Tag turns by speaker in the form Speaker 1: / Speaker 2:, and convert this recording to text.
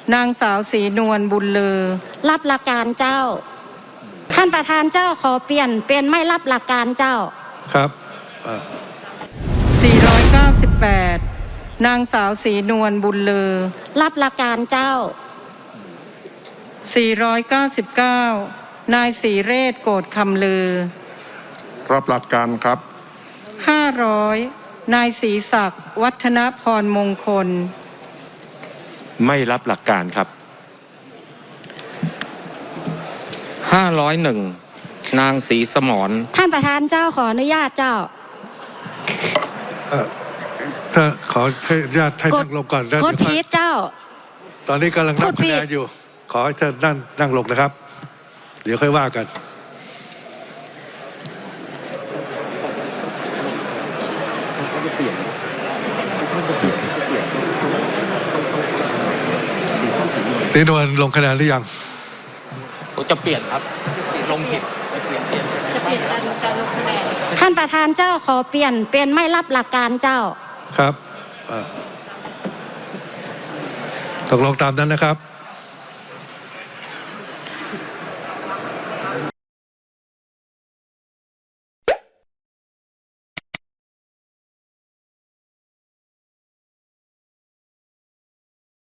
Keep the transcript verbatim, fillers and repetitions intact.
Speaker 1: นางสาวศรีนวลบุญเลอ
Speaker 2: รับหลักการเจ้าท่านประธานเจ้าขอเปลี่ยนเป็นไม่รับหลักการเจ้า
Speaker 3: ครับ
Speaker 1: สี่ร้อยเก้าสิบแปดนางสาวศรีนวลบุญเลอ
Speaker 2: รับหลักการเจ้า
Speaker 1: สี่ร้อยเก้าสิบเก้านายศรีเรศโกฏคำลือ
Speaker 3: รับหลักการครับ
Speaker 1: ห้าร้อยนายศรีศักดิ์วัฒนพรมงคล
Speaker 4: ไม่รับหลักการครับห้าร้อยหนึ่งนางศรีสมร
Speaker 2: ท่านประธานเจ้าขออนุญาตเจ้า
Speaker 3: ถ้าขอให้ญาติให้นั่งลงก่อน
Speaker 2: แล้วกดพีทเจ้า
Speaker 3: ตอนนี้กำลังนับคะแนนอยู่ขอให้ท่านนั่งนั่งลงนะครับเดี๋ยวค่อยว่ากันศรีนวลลงคะแนนหรือยัง
Speaker 4: ผมจะเปลี่ยนครับลงผิด
Speaker 2: จะเปลี่ยนการลงคะแนนท่านประธานเจ้าขอเปลี่ยนเป็นไม่รับหลักการเจ้า
Speaker 3: ครับตกลงตามนั้นนะครับ